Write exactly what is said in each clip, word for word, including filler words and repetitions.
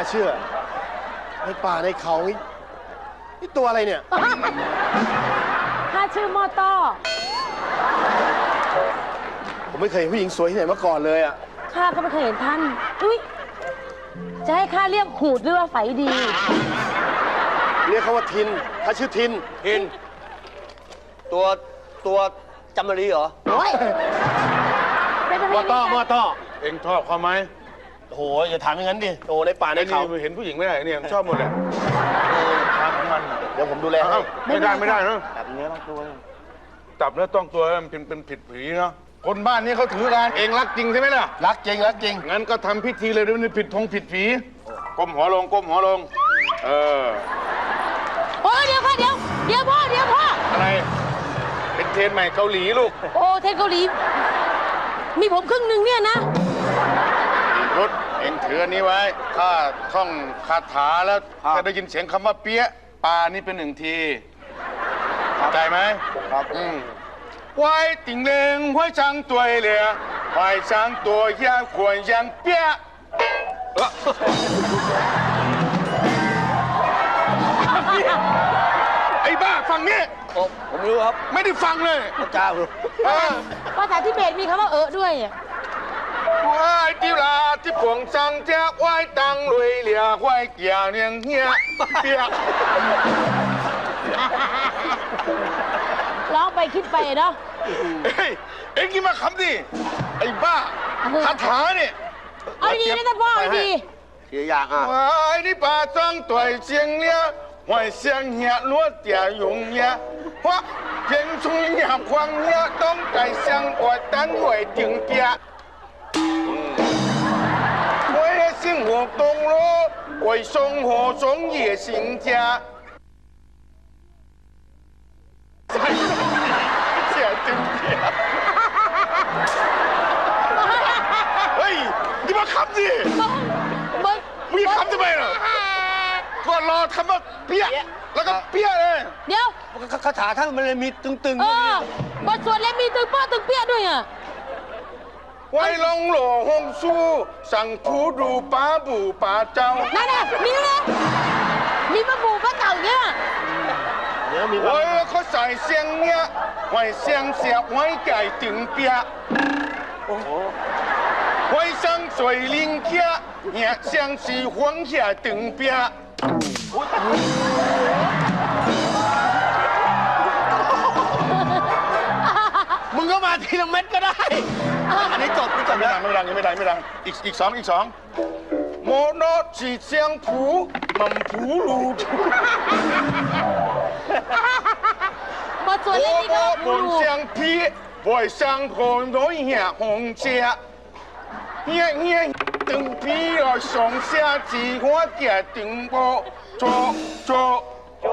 เชื่อในป่าในเขานี่ตัวอะไรเนี่ยข้าชื่อมอต้อผมไม่เคยเห็นผู้หญิงสวยที่ไหนมาก่อนเลยอ่ะข้าก็ไม่เคยเห็นท่านอุ้ยจะให้ข้าเรียกหูดหรือว่าไฝดีเรียกเขาว่าทินถ้าชื่อทินทินตัวตัวจำรีเหรอโอ้ยมอต้อมอต้อเอ็งชอบเขาไหมโอ้โหอย่าถามอย่างนั้นดิโอ้ในป่าในเขาเห็นผู้หญิงไม่ได้เนี่ยชอบหมดเลยทางของมันเดี๋ยวผมดูแลไม่ได้ไม่ได้นะจับเนื้อต้องตัวจับเนื้อต้องตัวมันเป็นเป็นผิดผีเนาะคนบ้านนี้เขาถือการเองรักจริงใช่ไหมล่ะรักจริงรักจริงงั้นก็ทำพิธีเลยด้วยผิดทงผิดผีก้มหัวลงก้มหัวลงเออโอ้เดี๋ยวพ่อเดี๋ยวเดี๋ยวพ่อเดี๋ยวพ่ออะไรเป็นเทรนใหม่เกาหลีลูกโอ้เทรนเกาหลีมีผมครึ่งหนึ่งเนี่ยนะรถเองถืออันนี้ไว้ข้าท่องคาถาแล้วถ้าได้ยินเสียงคำว่าเปี้ยปลานี่เป็นหนึ่งทีเข้าใจไหมครับอืมไว้ติ่งเลงไว้ช่างตัวเหลี่ยไว้ช่างตัวย่างขวนย่างเปี้ยไอ้บ้าฟังนี่ผมรู้ครับไม่ได้ฟังเลยจ้าภาษาทิเบตมีคำว่าเออด้วยไว้ที่ลาที่ผงสังแจ๊กไว้ตังลุยเหลี่ยไว้เกี่ยวเนียงเฮียเปียกร้องไปคิดไปเนาะเฮ้ยเอ็งกี่มาคำดิไอ้บ้าคาถาเนี่ยเอาดีนะท่านพ่อเอาดีเสียอย่างอ่ะไว้ที่ป่าจังตัวเชียงเนี้ยไว้เชียงเฮียล้วนเตี่ยยงเนี้ยเพราะเพียงชุยหยาบควางเนี้ยต้องไก่เชียงอวดตันหวยถึงเปีย我的生活东路，为生活中也行家。เสียจริงเสียเฮ้ยนี่มาคำดิมึงมึงคำทำไมล่ะก็รอคำว่าเปี้ยแล้วก็เปี้ยเลยเดี๋ยวคาถาท่านมันเลยมีตึงๆเออบทสวดเลยมีตึงป้อตึงเปี้ยด้วยอ่ะไว้ลงหล่อหงสู้สั่งผู้ดูป้าบูป้าเจ้านั่นน่ะมีนะมีป้าบูป้าเต่าเนี่ยเดี๋ยวมีไว้เขาใส่เสียงเนี้ยไว้เสียงเสียไว้ไก่ถึงเปียโอ้โหไว้สังสวยลิงเคียเนี่ยเสียงสีหวงเขียถึงเปียมึงก็มาทีละเม็ดก็ได้อันนี้จบไม่จบไม่ดังไม่ดังยังไม่ดังไม่ดังอีกอีกสองอีกสองโมโนจีเซียงผูมันผูรูบทสวดเลยนี่ก็ผูรูเซียงพีบอยสังโคนร้อยเหี้ยหงเจียเหี้ยเหี้ยตึงพีรอสองเสียจีหัวเกียตึงโบโจโจโจ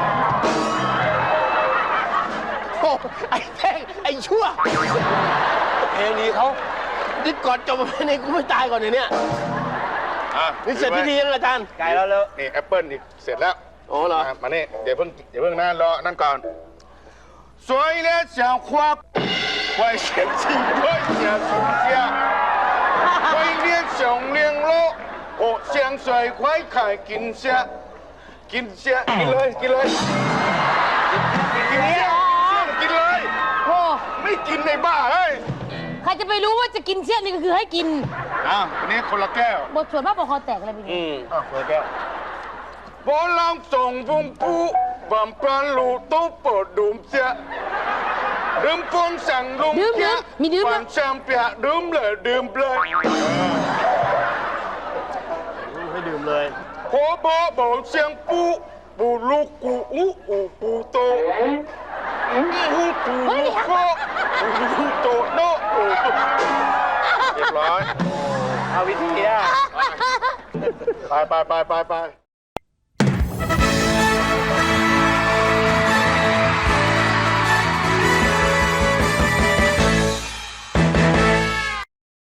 ไอ้แท่งไอ้ชั่วเพลงนี้เขาดิก่อนจบเพลงนี้กูไม่ตายก่อนเนี่ยอ่ะนี่เสร็จพิธีแล้วอาจารย์ไกลแล้วแล้วนี่แอปเปิ้ลอีกเสร็จแล้วโอ้เหรอมาเนี่ยเดี๋ยวเพิ่งเดี๋ยวเพิ่งนั่นรอนั่นก่อนสวยและเจ้าควบไว้เขียนชีพไว้เขียนสุเทียไว้เลี้ยงสองเลี้ยงโลโอ้เสียงสวยไว้ขายกินเสียกินเสียกินเลยกินเลยกินเสียกินเลยโอ้ไม่กินในบ้าเฮ้ยใครจะไปรู้ว่าจะกินเสี้ยนนี่ก็คือให้กินอ้าววันนี้คนละแก้วบทสวดบ้าปอคอแตกอะไรเป็นไงอืมอ้าวคนละแก้วบอลลองส่งบุ้มปูบัมปราลูตู้ปดดุมเสียดื่มปนสั่งลุงเสียมีดื่มความแชมเปียดื่มเลยดื่มเลยให้ดื่มเลยโคบอบอกเสียงปูปูลูกกูอูอูปูโตอูปูลูกโคปูโตโนเรียบร้อยเอาวิธีอ่ะไปไปไปไปไป